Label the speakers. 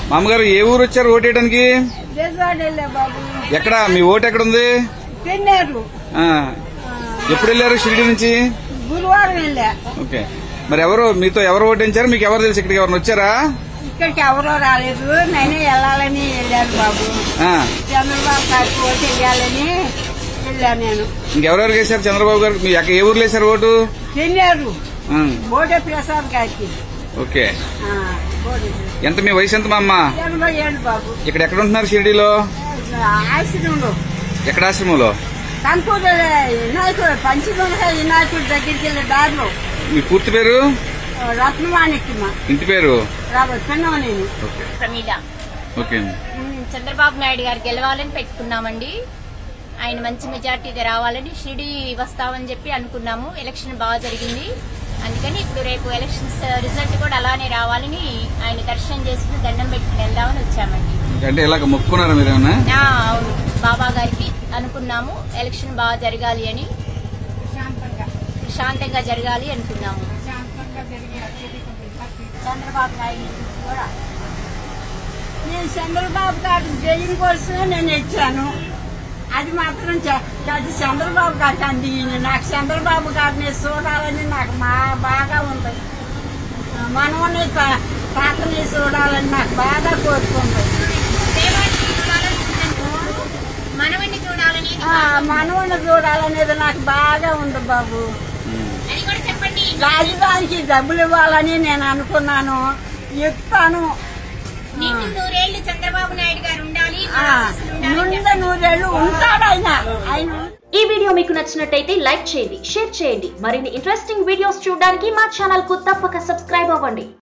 Speaker 1: మామగారు ఏ ఊరు వచ్చారు ఓటేయడానికి? ఎక్కడ మీ ఓటు ఎక్కడ ఉంది? ఎప్పుడు వెళ్ళారు షిరిడి నుంచి?
Speaker 2: గురువారం వెళ్ళా.
Speaker 1: ఓకే, మరి ఎవరు మీతో ఎవరు ఓటించారు? మీకు ఎవరు తెలుసు? ఇక్కడికి ఎవరు వచ్చారా?
Speaker 2: ఇక్కడికి ఎవరో రాలేదు, నేనే వెళ్ళాలని వెళ్ళాను బాబు. చంద్రబాబు గారికి ఓటు వేయాలని వెళ్ళాను నేను.
Speaker 1: ఇంకెవరెవరు వేశారు చంద్రబాబు గారు? మీ ఏ ఊర్లో వేశారు ఓటు?
Speaker 2: చెన్నారు బోడే ప్రసాద్ గారికి.
Speaker 1: ఓకే, ఎంత మీ వయసు ఎంత మా అమ్మ?
Speaker 2: 87 బాబు.
Speaker 1: ఇక్కడ ఎక్కడ ఉంటున్నారు షిరిడిలో?
Speaker 2: ఆశ్రమంలో.
Speaker 1: ఎక్కడ ఆశ్రమంలో?
Speaker 2: కనుకూరు వినాయకుడు, పంచగొండ వినాయకుడి దగ్గరికి వెళ్ళే దారిలో.
Speaker 1: మీ పూర్తి పేరు?
Speaker 2: రత్నమాణిక్యమ్మ.
Speaker 1: ఇంటి పేరు?
Speaker 2: నేను
Speaker 3: ప్రమీల.
Speaker 1: ఓకే,
Speaker 3: చంద్రబాబు నాయుడు గారు గెలవాలని పెట్టుకున్నామండి. ఆయన మంచి మెజార్టీగా రావాలని షిరిడి వస్తామని చెప్పి అనుకున్నాము. ఎలక్షన్ బాగా జరిగింది, అందుకని ఇప్పుడు రేపు ఎలక్షన్స్ రిజల్ట్ కూడా అలానే రావాలని ఆయన దర్శనం చేసుకుని దండం పెట్టుకుని వెళ్దామని వచ్చామండి.
Speaker 1: అంటే ఇలాగ మొక్కున్నారా మీరేమన్నా?
Speaker 3: అవును, బాబా గారికి అనుకున్నాము ఎలక్షన్ బాగా జరగాలి అని, శాంతంగా జరగాలి అనుకున్నాము.
Speaker 2: చంద్రబాబు నాయుడు కూడా నేను చంద్రబాబు గారి జైలు కోసం నేను ఇచ్చాను. అది మాత్రం అది చంద్రబాబు గారికి అంది. నాకు చంద్రబాబు గారిని చూడాలని నాకు బాగా ఉంది. మనవని తాతని చూడాలని నాకు బాగా కోరుకుంది. మనవని చూడాలనేది నాకు బాగా ఉంది బాబు. రాజధానికి డబ్బులు ఇవ్వాలని నేను అనుకున్నాను, ఇస్తాను.
Speaker 3: చంద్రబాబు నాయుడు గారు ఉండాలి,
Speaker 2: 100 ఏళ్ళు ఉంటాడు ఆయన.
Speaker 4: ఈ వీడియో మీకు నచ్చినట్టయితే లైక్ చేయండి, షేర్ చేయండి. మరిన్ని ఇంట్రెస్టింగ్ వీడియోస్ చూడడానికి మా ఛానల్ కు తప్పక సబ్స్క్రైబ్ అవ్వండి.